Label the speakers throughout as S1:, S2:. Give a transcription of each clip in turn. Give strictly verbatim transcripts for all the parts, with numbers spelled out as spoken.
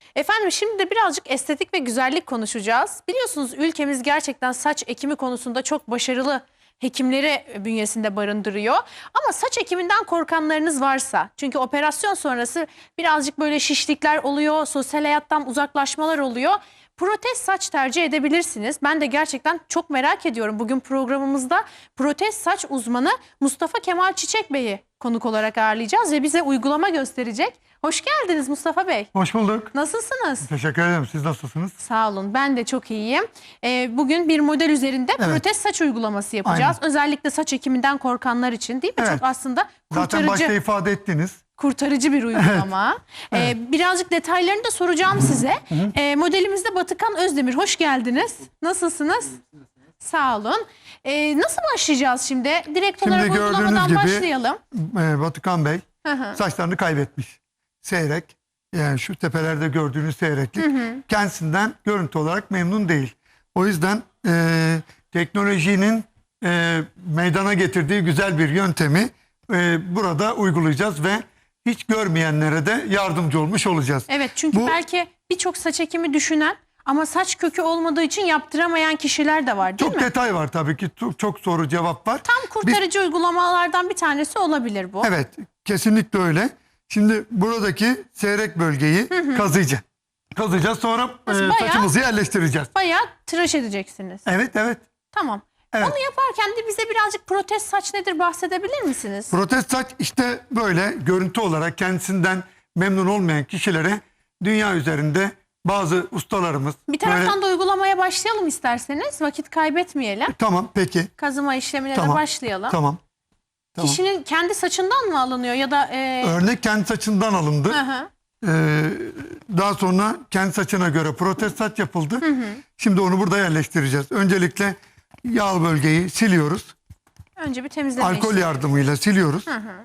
S1: Efendim şimdi de birazcık estetik ve güzellik konuşacağız. Biliyorsunuz ülkemiz gerçekten saç ekimi konusunda çok başarılı hekimleri bünyesinde barındırıyor. Ama saç ekiminden korkanlarınız varsa, çünkü operasyon sonrası birazcık böyle şişlikler oluyor, sosyal hayattan uzaklaşmalar oluyor. Protez saç tercih edebilirsiniz. Ben de gerçekten çok merak ediyorum. Bugün programımızda protez saç uzmanı Mustafa Kemal Çiçek Bey'i konuk olarak ağırlayacağız ve bize uygulama gösterecek. Hoş geldiniz Mustafa Bey.
S2: Hoş bulduk.
S1: Nasılsınız?
S2: Teşekkür ederim. Siz nasılsınız?
S1: Sağ olun. Ben de çok iyiyim. Ee, bugün bir model üzerinde
S2: Evet.
S1: protez saç uygulaması yapacağız.
S2: Aynen.
S1: Özellikle saç ekiminden korkanlar için, değil mi?
S2: Evet.
S1: Çok aslında
S2: Zaten
S1: kurtarıcı,
S2: başta ifade ettiniz.
S1: kurtarıcı bir uygulama.
S2: Evet.
S1: Ee, birazcık detaylarını da soracağım size. Ee, modelimizde Batıkan Özdemir. Hoş geldiniz. Nasılsınız? Sağ olun. Ee, nasıl başlayacağız şimdi? Direkt
S2: Şimdi
S1: olarak
S2: gördüğünüz
S1: uygulamadan
S2: gibi
S1: başlayalım.
S2: e, Batıkan Bey
S1: Hı hı.
S2: saçlarını kaybetmiş. Seyrek. Yani şu tepelerde gördüğünüz seyreklik.
S1: Hı hı.
S2: Kendisinden görüntü olarak memnun değil. O yüzden e, teknolojinin e, meydana getirdiği güzel bir yöntemi e, burada uygulayacağız ve hiç görmeyenlere de yardımcı olmuş olacağız.
S1: Evet, çünkü
S2: Bu-
S1: belki birçok saç ekimi düşünen ama saç kökü olmadığı için yaptıramayan kişiler de var, değil
S2: Çok
S1: mi?
S2: detay var tabii ki. Çok, çok soru cevap var.
S1: Tam kurtarıcı uygulamalardan bir tanesi olabilir bu.
S2: Evet, kesinlikle öyle. Şimdi buradaki seyrek bölgeyi kazıyacağız. Kazıyacağız, sonra e,
S1: Bayağı-
S2: saçımızı yerleştireceğiz.
S1: Bayağı tıraş edeceksiniz.
S2: Evet, evet.
S1: Tamam.
S2: Evet.
S1: Onu yaparken de bize birazcık protez saç nedir bahsedebilir misiniz?
S2: Protez saç işte böyle görüntü olarak kendisinden memnun olmayan kişilere dünya üzerinde bazı ustalarımız...
S1: Bir taraftan
S2: böyle-
S1: da uygulamaya başlayalım isterseniz. Vakit kaybetmeyelim.
S2: Tamam, peki.
S1: Kazıma işlemine
S2: Tamam.
S1: de başlayalım.
S2: Tamam. Tamam.
S1: Kişinin kendi saçından mı alınıyor ya da... E...
S2: Örnek kendi saçından alındı.
S1: Hı hı.
S2: Ee, daha sonra kendi saçına göre protez saç yapıldı. Şimdi onu burada yerleştireceğiz. Öncelikle yağ bölgeyi siliyoruz.
S1: Önce bir temizleme
S2: Alkol
S1: işlemi.
S2: yardımıyla siliyoruz.
S1: Hı hı.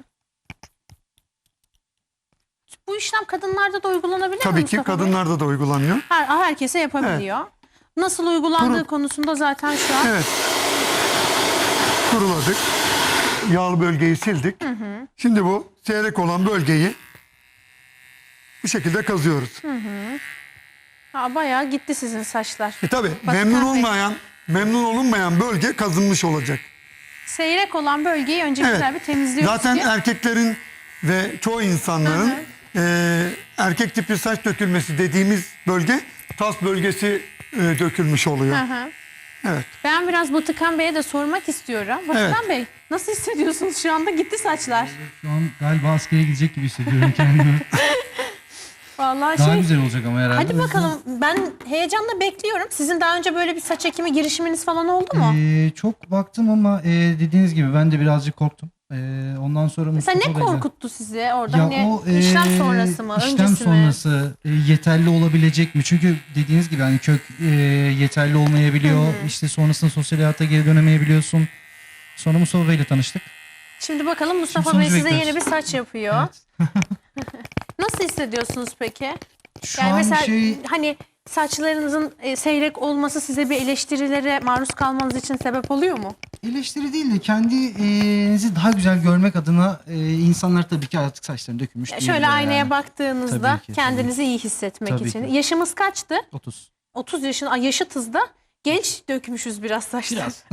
S1: Bu işlem kadınlarda da uygulanabilir mi
S2: Tabii ki
S1: Mustafa Bey?
S2: kadınlarda da uygulanıyor.
S1: Her, herkese yapabiliyor. Nasıl uygulandığı
S2: Kuru-
S1: konusunda zaten şu an...
S2: Evet. Kuruladık. Yağlı bölgeyi sildik. Şimdi bu seyrek olan bölgeyi bu şekilde kazıyoruz.
S1: Ha, bayağı gitti sizin saçlar.
S2: E tabii
S1: Batıkan
S2: memnun
S1: Bey.
S2: olmayan, memnun olunmayan bölge kazınmış olacak.
S1: Seyrek olan bölgeyi önce
S2: Evet.
S1: güzel bir temizliyoruz
S2: Zaten
S1: diye.
S2: erkeklerin ve çoğu insanların e, erkek tipi saç dökülmesi dediğimiz bölge tas bölgesi e, dökülmüş oluyor.
S1: Hı hı.
S2: Evet.
S1: Ben biraz Batıkan Bey'e de sormak istiyorum. Batıkan Bey nasıl hissediyorsunuz şu anda? Gitti saçlar.
S3: Şu an galiba askere gidecek gibi hissediyorum kendimi.
S1: Vallahi
S3: Daha
S1: şey...
S3: güzel olacak ama herhalde.
S1: Hadi bakalım, ben heyecanla bekliyorum. Sizin daha önce böyle bir saç ekimi girişiminiz falan oldu mu?
S3: Ee, çok baktım ama e, dediğiniz gibi ben de birazcık korktum. E, ondan sonra
S1: Mesela
S3: Mustafa
S1: ne
S3: Bey'le-
S1: korkuttu sizi orada?
S3: Ya
S1: Hani
S3: o, e,
S1: işlem sonrası mı?
S3: işlem
S1: Öncesi mi?
S3: sonrası e, yeterli olabilecek mi? Çünkü dediğiniz gibi hani kök e, yeterli olmayabiliyor. İşte sonrasında sosyal hayata geri dönemeyebiliyorsun. Sonra Mustafa Bey'le tanıştık.
S1: Şimdi bakalım Mustafa
S3: Şimdi
S1: Bey
S3: sonucu
S1: size
S3: bekliyoruz.
S1: yeni bir saç yapıyor.
S3: Evet.
S1: Nasıl hissediyorsunuz peki?
S3: Şu
S1: Yani
S3: an
S1: mesela
S3: şey
S1: hani saçlarınızın e, seyrek olması size bir eleştirilere maruz kalmanız için sebep oluyor mu?
S3: eleştiri değil de kendinizi daha güzel görmek adına e, insanlar tabii ki artık saçlarını dökülmüş
S1: Ya
S3: diyebilirler
S1: şöyle aynaya
S3: yani.
S1: baktığınızda
S3: Tabii ki, tabii
S1: kendinizi iyi hissetmek
S3: Tabii
S1: için.
S3: ki.
S1: Yaşımız kaçtı?
S3: otuz.
S1: otuz yaşın, ay yaşıtız da genç dökmüşüz biraz saçlar.
S3: Biraz.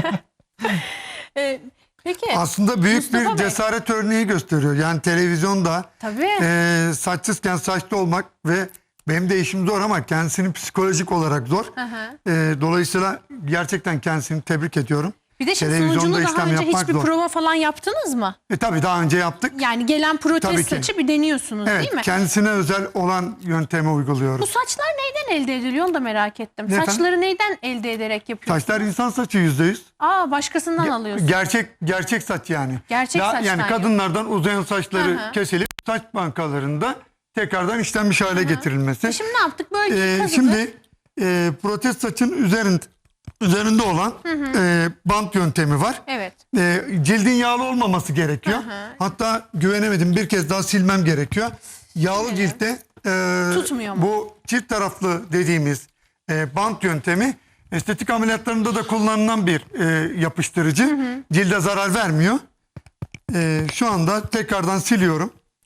S1: E, Peki.
S2: Aslında büyük
S1: Mustafa
S2: bir
S1: Bey.
S2: cesaret örneği gösteriyor. Yani televizyonda
S1: Tabii.
S2: e, saçsızken saçlı olmak ve benim de işim zor ama kendisini psikolojik olarak zor.
S1: Hı hı.
S2: E, dolayısıyla gerçekten kendisini tebrik ediyorum.
S1: Bir de şimdi
S2: televizyonda
S1: sunucunu daha
S2: işlem
S1: önce
S2: yapmak
S1: hiçbir
S2: zor.
S1: prova falan yaptınız mı?
S2: E tabii daha önce yaptık.
S1: Yani gelen
S2: Tabii
S1: protez
S2: ki.
S1: saçı bir deniyorsunuz
S2: Evet,
S1: değil mi?
S2: kendisine özel olan yöntemi uyguluyoruz.
S1: Bu saçlar neyden elde ediliyor onu da merak ettim.
S2: Ne efendim?
S1: Saçları neyden elde ederek yapıyorsunuz?
S2: Saçlar insan saçı yüzde yüz.
S1: Aa, başkasından alıyorsunuz.
S2: Gerçek gerçek saç yani.
S1: Gerçek
S2: Ya-
S1: saçtan
S2: Yani
S1: yani.
S2: kadınlardan uzayan saçları
S1: Hı hı.
S2: kesilip saç bankalarında tekrardan işlenmiş hale getirilmesi.
S1: E şimdi ne yaptık? Böyle
S2: Ee,
S1: kazıdık.
S2: şimdi e, protez saçın üzerinde üzerinde olan e, bant yöntemi var.
S1: Evet.
S2: E, cildin yağlı olmaması gerekiyor.
S1: Hı hı.
S2: Hatta güvenemedim, bir kez daha silmem gerekiyor. Yağlı ciltte e,
S1: Tutmuyor mu?
S2: bu çift taraflı dediğimiz e, bant yöntemi estetik ameliyatlarında da kullanılan bir e, yapıştırıcı. Cilde zarar vermiyor. E, şu anda tekrardan siliyorum.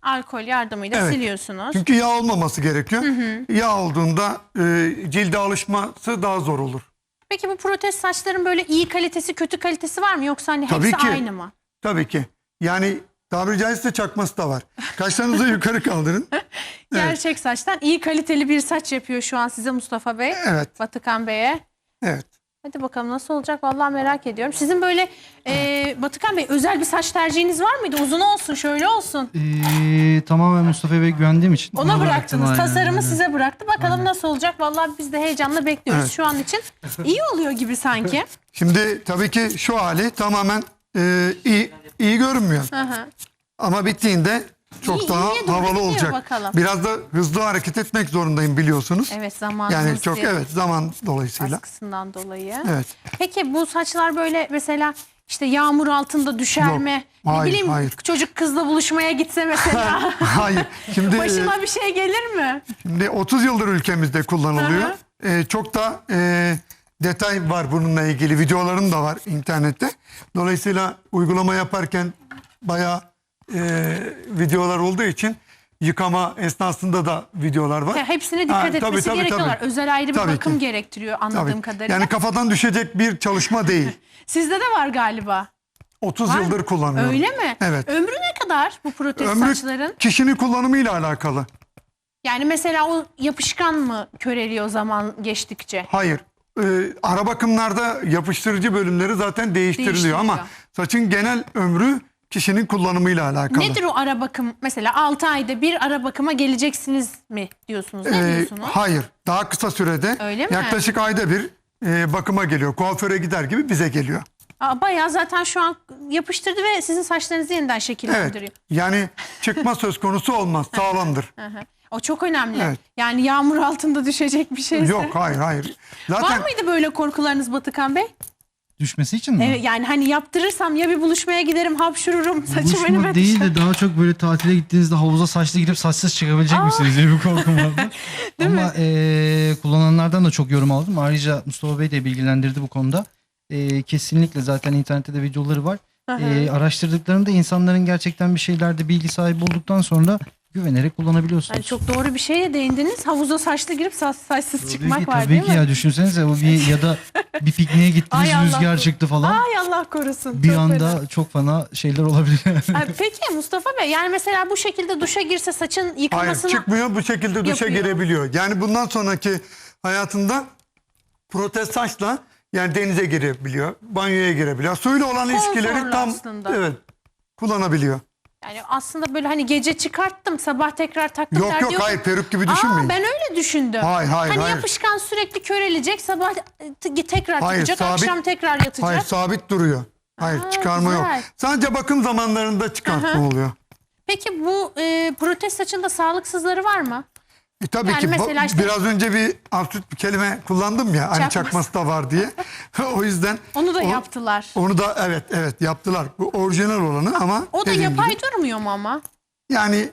S1: Alkol yardımıyla
S2: Evet.
S1: siliyorsunuz.
S2: Çünkü yağ olmaması gerekiyor. Yağ olduğunda e, cilde alışması daha zor olur.
S1: Peki bu protez saçların böyle iyi kalitesi, kötü kalitesi var mı? Yoksa hani
S2: Tabii
S1: hepsi
S2: ki.
S1: aynı mı?
S2: Tabii ki. Yani tabiri caizse çakması da var. Kaşlarınızı yukarı kaldırın.
S1: Gerçek saçtan iyi kaliteli bir saç yapıyor şu an size Mustafa Bey.
S2: Evet.
S1: Batıkan Bey'e.
S2: Evet.
S1: Hadi bakalım nasıl olacak, vallahi merak ediyorum. Sizin böyle e, Batıkan Bey özel bir saç tercihiniz var mıydı? Uzun olsun, şöyle olsun.
S3: Ee, tamamen Mustafa Bey'e güvendiğim için.
S1: Ona
S3: bıraktım,
S1: bıraktınız.
S3: aynen,
S1: Tasarımı
S3: aynen.
S1: size bıraktı. Bakalım nasıl olacak? Vallahi biz de heyecanla bekliyoruz
S2: Evet.
S1: şu an için. İyi oluyor gibi sanki.
S2: Şimdi tabii ki şu hali tamamen e, iyi iyi görünmüyor.
S1: Hı hı.
S2: Ama bittiğinde çok
S1: İyi-
S2: daha
S1: iyiye doğru
S2: havalı
S1: gidiyor
S2: olacak.
S1: bakalım.
S2: Biraz da hızlı hareket etmek zorundayım biliyorsunuz.
S1: Evet, zamanınız
S2: Yani çok
S1: bir
S2: evet zaman dolayısıyla.
S1: baskısından dolayı.
S2: Evet.
S1: Peki bu saçlar böyle mesela işte yağmur altında düşer
S2: Yok.
S1: mi? Ne
S2: Hayır,
S1: bileyim
S2: hayır.
S1: çocuk kızla buluşmaya gitse mesela
S2: Hayır. Şimdi
S1: başına bir şey gelir mi?
S2: Şimdi otuz yıldır ülkemizde kullanılıyor. Ee, çok da e, detay var bununla ilgili. Videolarım da var internette. Dolayısıyla uygulama yaparken bayağı e, videolar olduğu için yıkama esnasında da videolar var.
S1: Ya hepsine dikkat
S2: Ha,
S1: etmesi
S2: tabii, tabii,
S1: gerekiyorlar.
S2: tabii.
S1: Özel ayrı bir
S2: Tabii
S1: bakım
S2: ki.
S1: gerektiriyor anladığım
S2: Tabii.
S1: kadarıyla.
S2: Yani kafadan düşecek bir çalışma değil.
S1: Sizde de var galiba.
S2: otuz
S1: Var mı?
S2: yıldır kullanıyorum.
S1: Öyle mi?
S2: Evet.
S1: Ömrü ne kadar bu protez
S2: Ömrü
S1: saçların?
S2: kişinin kullanımıyla alakalı.
S1: Yani mesela o yapışkan mı köreliyor zaman geçtikçe?
S2: Hayır. Ee, ara bakımlarda yapıştırıcı bölümleri zaten değiştiriliyor
S1: Değiştiriliyor.
S2: ama saçın genel ömrü kişinin kullanımıyla alakalı.
S1: Nedir o ara bakım? Mesela altı ayda bir ara bakıma geleceksiniz mi diyorsunuz? Ne
S2: Ee,
S1: diyorsunuz?
S2: hayır. Daha kısa sürede
S1: Öyle mi?
S2: yaklaşık ayda bir e, bakıma geliyor. Kuaföre gider gibi bize geliyor.
S1: Aa, bayağı zaten şu an yapıştırdı ve sizin saçlarınızı yeniden
S2: Evet.
S1: şekillendiriyor.
S2: Yani çıkma söz konusu olmaz. Sağlamdır.
S1: Hı hı. O çok önemli.
S2: Evet.
S1: Yani yağmur altında düşecek bir şeyse.
S2: Yok hayır hayır.
S1: Var
S2: Zaten
S1: mıydı böyle korkularınız Batıkan Bey?
S3: Düşmesi için mi?
S1: Evet, yani hani yaptırırsam ya bir buluşmaya giderim hapşururum saçım
S3: Buluşma
S1: önüme
S3: değil
S1: düşer.
S3: de daha çok böyle tatile gittiğinizde havuza saçlı girip saçsız çıkabilecek misiniz diye bir korkum vardı. Ama e, kullananlardan da çok yorum aldım. Ayrıca Mustafa Bey de bilgilendirdi bu konuda. E, kesinlikle zaten internette de videoları var. E, araştırdıklarında insanların gerçekten bir şeylerde bilgi sahibi olduktan sonra güvenerek kullanabiliyorsunuz.
S1: Yani çok doğru bir şeye değindiniz. Havuza saçlı girip saç, saçsız çıkmak
S3: tabii ki,
S1: var
S3: tabii
S1: değil
S3: ki
S1: mi?
S3: ya düşünsenize o bir ya da bir pikniğe gittiniz
S1: Ay Allah
S3: rüzgar
S1: korusun.
S3: çıktı falan.
S1: Ay Allah korusun.
S3: Bir
S1: çok
S3: anda
S1: fena.
S3: çok fena şeyler olabilir.
S1: Ay, peki Mustafa Bey, yani mesela bu şekilde duşa girse saçın
S2: hayır
S1: yıkamasına...
S2: çıkmıyor bu şekilde duşa
S1: Yapıyor.
S2: girebiliyor. Yani bundan sonraki hayatında protez saçla yani denize girebiliyor, banyoya girebiliyor. Suyla olan ilişkileri
S1: Konforlu
S2: tam
S1: aslında.
S2: evet kullanabiliyor.
S1: Yani aslında böyle hani gece çıkarttım sabah tekrar taktım
S2: Yok
S1: der
S2: yok
S1: diyor.
S2: hayır peruk gibi düşünmeyin.
S1: Aa, ben öyle düşündüm.
S2: Hayır, hayır,
S1: Hani
S2: hayır.
S1: yapışkan sürekli körelecek, sabah e, t- tekrar
S2: Hayır,
S1: çıkacak,
S2: sabit-
S1: akşam tekrar yatacak.
S2: Hayır sabit duruyor. Hayır
S1: Aa,
S2: çıkarma yok.
S1: güzel.
S2: Sadece bakım zamanlarında çıkartma oluyor.
S1: Peki bu e, protez saçında sağlıksızları var mı?
S2: E tabii
S1: Yani
S2: ki ba-
S1: mesela işte-
S2: biraz önce bir absürt bir kelime kullandım ya hani
S1: Çakması.
S2: çakması da var diye. O yüzden
S1: Onu da
S2: o-
S1: yaptılar.
S2: Onu da evet evet yaptılar. Bu orijinal olanı ama
S1: O da
S2: dediğim
S1: yapay
S2: gibi,
S1: durmuyor mu ama?
S2: yani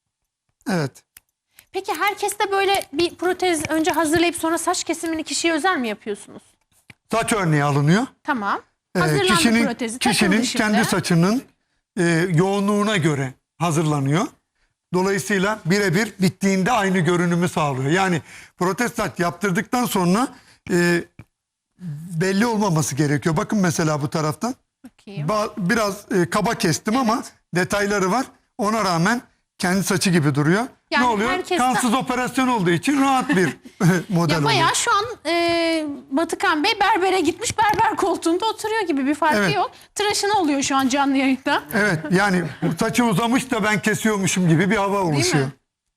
S2: evet.
S1: Peki herkeste böyle bir protez önce hazırlayıp sonra saç kesimini kişiye özel mi yapıyorsunuz?
S2: Saç örneği alınıyor.
S1: Tamam.
S2: Ee,
S1: Hazırlandı
S2: kişinin
S1: protezi. takıldı
S2: kişinin
S1: şimdi.
S2: kendi saçının e, yoğunluğuna göre hazırlanıyor. Dolayısıyla birebir bittiğinde aynı görünümü sağlıyor. Yani protez saç yaptırdıktan sonra e, belli olmaması gerekiyor. Bakın mesela bu taraftan.
S1: Bakayım.
S2: Ba- biraz e, kaba kestim ama detayları var. Ona rağmen kendi saçı gibi duruyor.
S1: Yani
S2: ne oluyor?
S1: herkes de-
S2: Kansız operasyon olduğu için rahat bir model
S1: Ya
S2: oluyor.
S1: bayağı şu an e, Batıkan Bey berbere gitmiş, berber koltuğunda oturuyor gibi bir farkı
S2: Evet.
S1: yok. Tıraşını oluyor şu an canlı yayında.
S2: Evet yani saçı uzamış da ben kesiyormuşum gibi bir hava oluşuyor.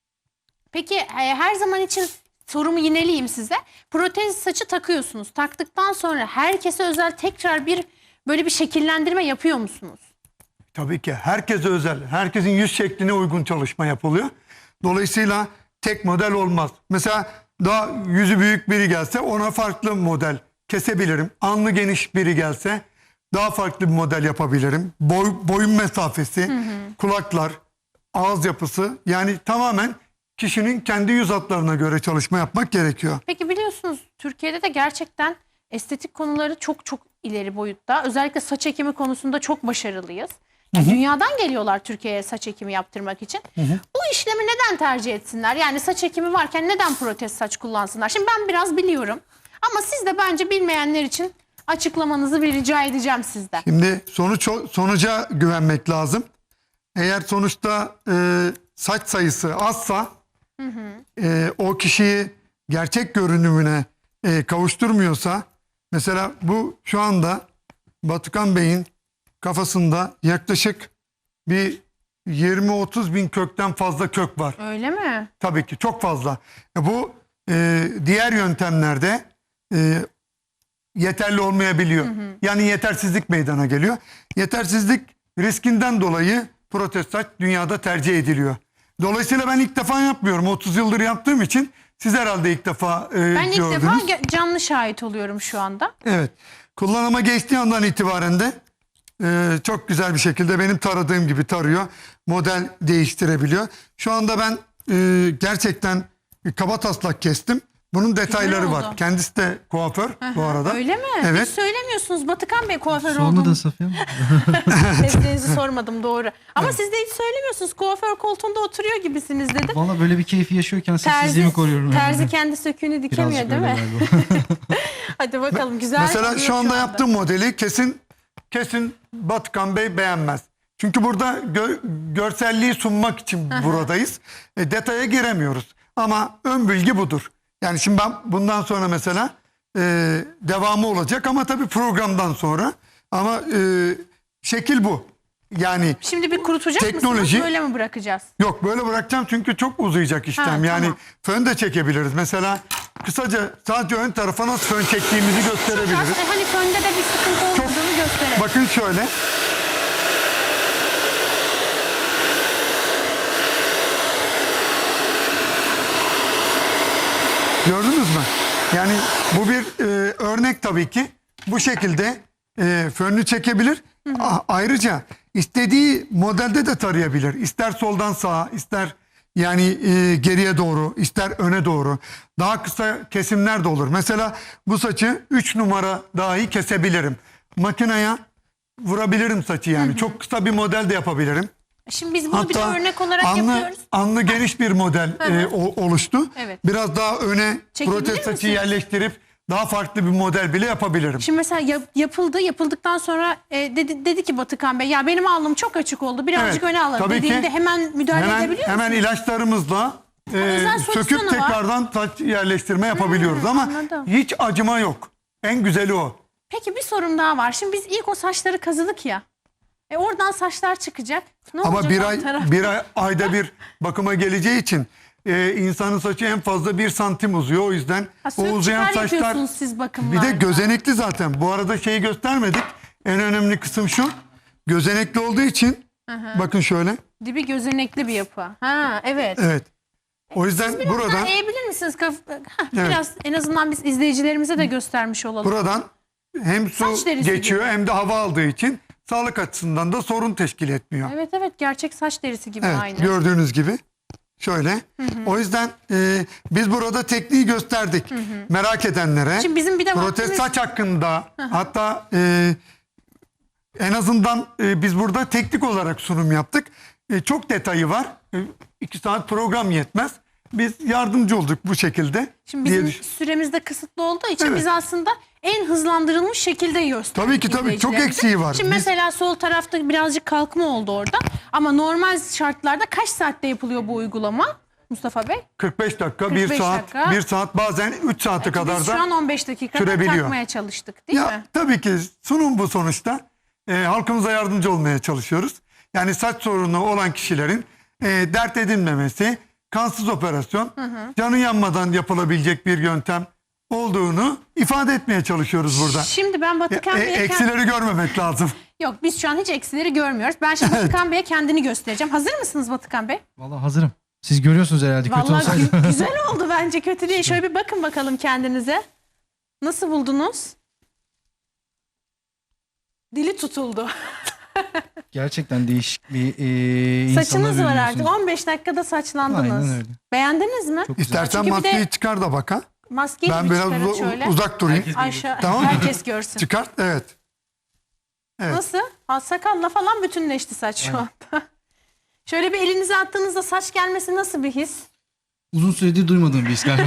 S1: Peki e, her zaman için sorumu yineleyeyim size. Protez saçı takıyorsunuz. Taktıktan sonra herkese özel tekrar bir böyle bir şekillendirme yapıyor musunuz?
S2: Tabii ki herkese özel, herkesin yüz şekline uygun çalışma yapılıyor. Dolayısıyla tek model olmaz. Mesela daha yüzü büyük biri gelse ona farklı model kesebilirim. Alnı geniş biri gelse daha farklı bir model yapabilirim. Boy, boyun mesafesi, kulaklar, ağız yapısı yani tamamen kişinin kendi yüz hatlarına göre çalışma yapmak gerekiyor.
S1: Peki biliyorsunuz Türkiye'de de gerçekten estetik konuları çok çok ileri boyutta. Özellikle saç ekimi konusunda çok başarılıyız. Yani dünyadan geliyorlar Türkiye'ye saç ekimi yaptırmak için. Bu işlemi neden tercih etsinler? Yani saç ekimi varken neden protez saç kullansınlar? Şimdi ben biraz biliyorum. Ama siz de bence bilmeyenler için açıklamanızı bir rica edeceğim sizden.
S2: Şimdi sonuç sonuca güvenmek lazım. Eğer sonuçta e, saç sayısı azsa
S1: Hı hı.
S2: e, o kişiyi gerçek görünümüne e, kavuşturmuyorsa, mesela bu şu anda Batıkan Bey'in kafasında yaklaşık bir yirmi otuz bin kökten fazla kök var.
S1: Öyle mi?
S2: Tabii ki çok fazla. E, bu e, diğer yöntemlerde e, yeterli olmayabiliyor. Hı hı. Yani yetersizlik meydana geliyor. Yetersizlik riskinden dolayı protez saç dünyada tercih ediliyor. Dolayısıyla ben ilk defa yapmıyorum. otuz yıldır yaptığım için siz herhalde ilk defa e,
S1: Ben ilk
S2: gördünüz.
S1: defa ge- canlı şahit oluyorum şu anda.
S2: Evet. Kullanıma geçtiği andan itibaren de e, çok güzel bir şekilde benim taradığım gibi tarıyor. Model değiştirebiliyor. Şu anda ben e, gerçekten kabataslak kestim. Bunun detayları
S1: oldu.
S2: var. Kendisi de kuaför bu arada.
S1: Öyle mi?
S2: Evet.
S1: Hiç söylemiyorsunuz Batıkan Bey kuaför
S3: Sormadın
S1: olduğunu.
S3: Safiye mi?
S1: Mesleğinizi sormadım, doğru. Ama siz de hiç söylemiyorsunuz. Kuaför koltuğunda oturuyor gibisiniz dedim.
S3: Valla böyle bir keyfi yaşıyorken
S1: Terzi,
S3: sessizliğimi koruyorum.
S1: terzi
S3: yani.
S1: kendi söküğünü dikemiyor
S3: Birazcık
S1: değil
S3: öyle
S1: mi?
S3: galiba.
S1: Hadi bakalım, güzel.
S2: Mesela
S1: oluyor
S2: şu anda yaptığım modeli kesin kesin Batıkan Bey beğenmez. Çünkü burada gö- görselliği sunmak için buradayız. E, detaya giremiyoruz. Ama ön bilgi budur. Yani şimdi ben bundan sonra mesela e, devamı olacak ama tabii programdan sonra. Ama e, şekil bu. Yani
S1: Şimdi bir kurutacak
S2: Teknoloji-
S1: mısınız? Böyle mi bırakacağız?
S2: yok, böyle bırakacağım çünkü çok uzayacak işlem.
S1: Ha,
S2: yani
S1: tamam.
S2: fön de çekebiliriz. Mesela kısaca sadece ön tarafa nasıl fön çektiğimizi gösterebiliriz.
S1: Biraz, e, hani fönde de bir sıkıntı olmadığını gösterelim.
S2: Bakın şöyle. Gördünüz mü? Yani bu bir e, örnek tabii ki. Bu şekilde e, fönünü çekebilir. A- ayrıca istediği modelde de tarayabilir. İster soldan sağa, ister yani e, geriye doğru, ister öne doğru. Daha kısa kesimler de olur. Mesela bu saçı üç numara dahi kesebilirim. Makineye vurabilirim saçı yani. Çok kısa bir model de yapabilirim.
S1: Şimdi biz bunu bir de örnek olarak
S2: anlı,
S1: yapıyoruz.
S2: anlı geniş bir model e, o- oluştu.
S1: Evet.
S2: Biraz daha öne
S1: Çekebilir
S2: protez saçı
S1: misiniz?
S2: yerleştirip daha farklı bir model bile yapabilirim.
S1: Şimdi mesela yap- yapıldı. Yapıldıktan sonra e, dedi, dedi ki Batıkan Bey, ya benim alnım çok açık oldu. Birazcık
S2: Evet,
S1: öne alalım
S2: tabii ki.
S1: dediğinde hemen müdahale
S2: Hemen,
S1: edebiliyor
S2: hemen
S1: musunuz?
S2: ilaçlarımızla e,
S1: özel
S2: söküp
S1: solüsyonu var.
S2: tekrardan saç yerleştirme yapabiliyoruz. Ama
S1: anladım.
S2: hiç acıma yok. En güzeli o.
S1: Peki bir sorum daha var. Şimdi biz ilk o saçları kazıdık ya. E oradan saçlar çıkacak. Ne
S2: Ama
S1: olacak
S2: bir
S1: alt
S2: ay
S1: taraf?
S2: bir ay ayda bir bakıma geleceği için e, insanın saçı en fazla bir santim uzuyor. O yüzden
S1: Ha,
S2: o
S1: sök
S2: uzayan
S1: çıkar
S2: saçlar
S1: yapıyorsunuz siz
S2: bir
S1: bakımlarda.
S2: de gözenekli zaten. Bu arada şeyi göstermedik. En önemli kısım şu. Gözenekli olduğu için bakın şöyle.
S1: Dibi gözenekli bir yapı. Ha evet.
S2: Evet. O yüzden buradan
S1: Ha, eğebilir misiniz? Kaf- Hah,
S2: Evet.
S1: Biraz en azından biz izleyicilerimize de göstermiş olalım.
S2: buradan hem su
S1: Saç derisi
S2: geçiyor
S1: gibi.
S2: hem de hava aldığı için sağlık açısından da sorun teşkil etmiyor.
S1: Evet evet, gerçek saç derisi gibi
S2: Evet,
S1: aynı.
S2: gördüğünüz gibi şöyle. O yüzden e, biz burada tekniği gösterdik. Merak edenlere.
S1: Şimdi bizim bir de
S2: protez
S1: vaktimiz-
S2: saç hakkında hatta e, en azından e, biz burada teknik olarak sunum yaptık. E, çok detayı var. E, iki saat program yetmez. Biz yardımcı olduk bu şekilde.
S1: Şimdi
S2: diye
S1: bizim
S2: düş-
S1: süremiz de kısıtlı olduğu için
S2: Evet.
S1: biz aslında en hızlandırılmış şekilde gösterdik.
S2: Tabii ki, tabii. Çok
S1: izleyicilerimize.
S2: eksiği var.
S1: Şimdi
S2: Biz-
S1: mesela sol tarafta birazcık kalkma oldu orada. Ama normal şartlarda kaç saatte yapılıyor bu uygulama Mustafa Bey?
S2: kırk beş dakika,
S1: kırk
S2: bir
S1: beş
S2: saat,
S1: dakika.
S2: bir saat bazen üç saate kadar
S1: Biz
S2: da
S1: şu an on beş dakikada
S2: sürebiliyor.
S1: takmaya çalıştık değil
S2: ya,
S1: mi?
S2: tabii ki sunum bu sonuçta. E, halkımıza yardımcı olmaya çalışıyoruz. Yani saç sorunu olan kişilerin e, dert edinmemesi, kansız operasyon, canı yanmadan yapılabilecek bir yöntem olduğunu ifade etmeye çalışıyoruz burada.
S1: Şimdi ben
S2: E,
S1: Batıkan
S2: e,
S1: Bey'e... kend-
S2: eksileri görmemek lazım.
S1: Yok, biz şu an hiç eksileri görmüyoruz. Ben şimdi Batıkan Bey'e kendini göstereceğim. Hazır mısınız Batıkan Bey?
S3: Valla hazırım. Siz görüyorsunuz herhalde. Kötü
S1: Vallahi
S3: olsaydı.
S1: gü- güzel oldu bence, kötü değil. Şöyle bir bakın bakalım kendinize. Nasıl buldunuz? Dili tutuldu.
S3: Gerçekten değişik bir e, insana
S1: Saçınız var artık.
S3: bürünüyorsunuz.
S1: on beş dakikada saçlandınız.
S3: Aynen öyle.
S1: Beğendiniz mi?
S3: Çok güzel.
S2: İstersen
S1: Çünkü bir de-
S2: maskeyi çıkar da bak ha.
S1: Maskeyi
S2: Ben
S1: bir
S2: biraz
S1: çıkarın
S2: uza-
S1: şöyle.
S2: uzak durayım.
S3: Herkes
S1: Ayşe,
S2: Tamam mı?
S1: herkes görsün.
S2: Çıkart, evet. Evet.
S1: Nasıl? Ha, sakalla falan bütünleşti saç şu anda. Şöyle bir elinize attığınızda saç gelmesi nasıl bir his?
S3: Uzun süredir duymadığım bir his galiba.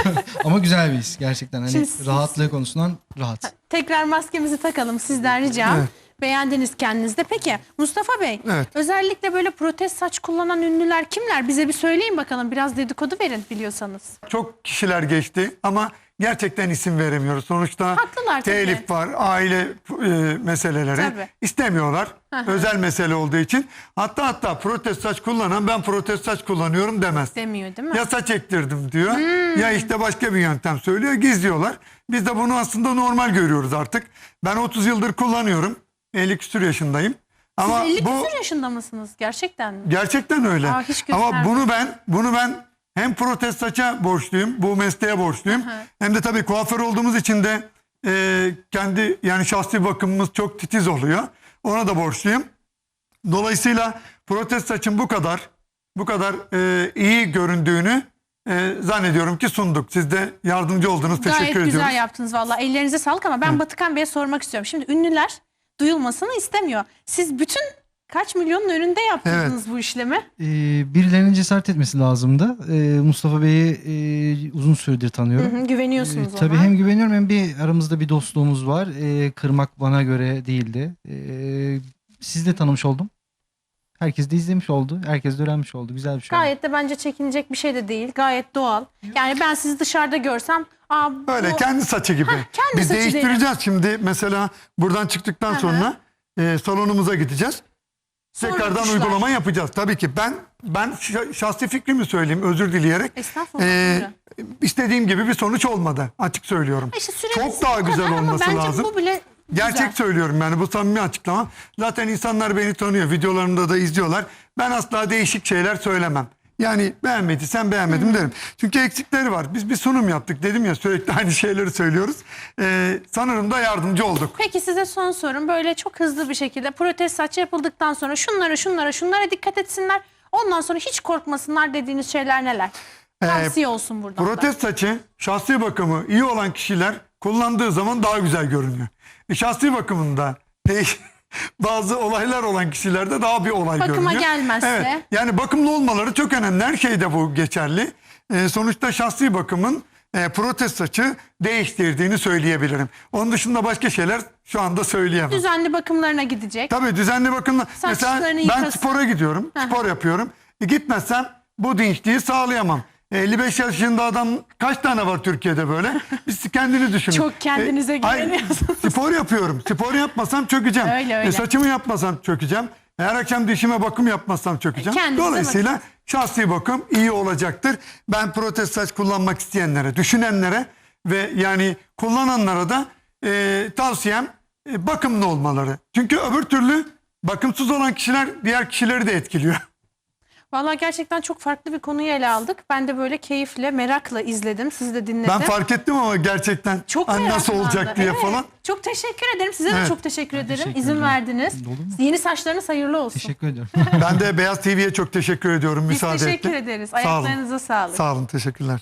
S3: Ama güzel bir his gerçekten. Hani
S1: Şimdi siz-
S3: rahatlığı konusundan rahat.
S1: Tekrar maskemizi takalım sizden ricam.
S2: Evet.
S1: Beğendiniz kendinizde. Peki Mustafa Bey,
S2: Evet.
S1: özellikle böyle protez saç kullanan ünlüler kimler? Bize bir söyleyin bakalım. Biraz dedikodu verin biliyorsanız.
S2: Çok kişiler geçti ama gerçekten isim veremiyoruz. Sonuçta
S1: Haklılar tabii.
S2: telif var, aile e, meseleleri
S1: Tabii.
S2: istemiyorlar.
S1: Hı hı.
S2: Özel mesele olduğu için. Hatta hatta protez saç kullanan ben protez saç kullanıyorum demez.
S1: Demiyor değil mi?
S2: Ya saç ektirdim diyor
S1: Hmm.
S2: ya işte başka bir yöntem söylüyor, gizliyorlar. Biz de bunu aslında normal görüyoruz artık. Ben otuz yıldır kullanıyorum. elli küsur yaşındayım. Ama
S1: Siz elli
S2: bu
S1: küsur yaşında mısınız? Gerçekten mi?
S2: gerçekten öyle.
S1: Aa, hiç
S2: Ama
S1: göstermiyor.
S2: bunu ben bunu ben hem protez saça borçluyum, bu mesleğe borçluyum.
S1: Hı hı.
S2: Hem de tabii kuaför olduğumuz için de e, kendi yani şahsi bakımımız çok titiz oluyor. Ona da borçluyum. Dolayısıyla protez saçın bu kadar bu kadar e, iyi göründüğünü e, zannediyorum ki sunduk. Siz de yardımcı oldunuz.
S1: Gayet
S2: Teşekkür
S1: güzel
S2: ediyoruz.
S1: yaptınız valla. Ellerinize sağlık ama ben Batıkan Bey'e sormak istiyorum. Şimdi ünlüler duyulmasını istemiyor. Siz bütün kaç milyonun önünde yaptınız bu işlemi?
S3: Ee, birilerinin cesaret etmesi lazımdı. Ee, Mustafa Bey'i e, uzun süredir
S1: Hı
S3: tanıyorum.
S1: hı, güveniyorsunuz
S3: Ee,
S1: ona.
S3: tabii hem güveniyorum hem bir aramızda bir dostluğumuz var. Ee, kırmak bana göre değildi. Ee, siz de tanımış oldum. Herkes de izlemiş oldu. Herkes de öğrenmiş oldu. Güzel bir şey oldu.
S1: Gayet de bence çekinecek bir şey de değil. Gayet doğal. Yani ben sizi dışarıda görsem... Aa, bu-
S2: Böyle kendi saçı gibi.
S1: kendi
S2: Biz
S1: saçı
S2: değiştireceğiz şimdi. Mesela buradan çıktıktan
S1: Hı hı.
S2: sonra e, salonumuza gideceğiz.
S1: Sonra
S2: Tekrardan
S1: kuşlar.
S2: uygulama yapacağız. Tabii ki ben ben şa- şahsi fikrimi söyleyeyim özür dileyerek.
S1: Estağfurullah.
S2: Ee,
S1: buyurun.
S2: istediğim gibi bir sonuç olmadı. Açık söylüyorum.
S1: İşte süreniz
S2: Çok daha
S1: bu
S2: güzel
S1: kadar ama
S2: olması
S1: bence
S2: lazım.
S1: bu bile
S2: Gerçek
S1: güzel.
S2: söylüyorum yani bu samimi açıklama. Zaten insanlar beni tanıyor. Videolarımda da izliyorlar. Ben asla değişik şeyler söylemem. Yani beğenmediysen beğenmedim derim. Çünkü eksikleri var. Biz bir sunum yaptık dedim ya sürekli aynı şeyleri söylüyoruz. Ee, sanırım da yardımcı olduk.
S1: Peki size son sorum. Böyle çok hızlı bir şekilde protez saç yapıldıktan sonra şunlara şunlara şunlara dikkat etsinler. Ondan sonra hiç korkmasınlar dediğiniz şeyler neler?
S2: Ee,
S1: Tavsiye olsun buradan da.
S2: Protez saçı şahsi bakımı iyi olan kişiler kullandığı zaman daha güzel görünüyor. E, şahsi bakımında değiş bazı olaylar olan kişilerde daha bir olay
S1: Bakıma
S2: görünüyor.
S1: gelmezse.
S2: Evet, yani bakımlı olmaları çok önemli. Her şeyde bu geçerli. E, sonuçta şahsi bakımın e, protez saçı değiştirdiğini söyleyebilirim. Onun dışında başka şeyler şu anda söyleyemem.
S1: Düzenli bakımlarına gidecek.
S2: Tabii düzenli bakımla. Mesela
S1: Saçlarını
S2: ben
S1: yıkasın.
S2: spora gidiyorum. Spor yapıyorum. E, gitmezsem bu dinçliği sağlayamam. E, elli beş yaşında adam kaç tane var Türkiye'de böyle? Biz kendini düşünün.
S1: Çok kendinize
S2: E, ay,
S1: güveniyorsunuz.
S2: Spor yapıyorum. Spor yapmasam çökeceğim.
S1: Öyle, öyle.
S2: E, saçımı yapmasam çökeceğim. E, her akşam dişime bakım yapmazsam çökeceğim.
S1: Kendinize
S2: Dolayısıyla şahsi bakım iyi olacaktır. Ben protez saç kullanmak isteyenlere, düşünenlere ve yani kullananlara da e, tavsiyem e, bakımlı olmaları. Çünkü öbür türlü bakımsız olan kişiler diğer kişileri de etkiliyor.
S1: Vallahi gerçekten çok farklı bir konuyu ele aldık. Ben de böyle keyifle, merakla izledim. Siz de dinledim.
S2: Ben fark ettim ama gerçekten
S1: Çok
S2: hani nasıl
S1: meraklandı.
S2: olacak diye
S1: Evet.
S2: falan.
S1: Çok teşekkür ederim. Size de
S2: Evet.
S1: çok teşekkür ederim.
S3: teşekkür
S1: İzin
S3: ederim.
S1: verdiniz.
S3: Dolu mu?
S1: Yeni saçlarınız hayırlı olsun.
S3: Teşekkür ediyorum.
S2: Ben de Beyaz T V'ye çok teşekkür ediyorum.
S1: Biz
S2: müsaade
S1: teşekkür
S2: etti.
S1: ederiz.
S2: Sağ olun.
S1: Ayaklarınıza sağlık.
S2: Sağ olun, teşekkürler.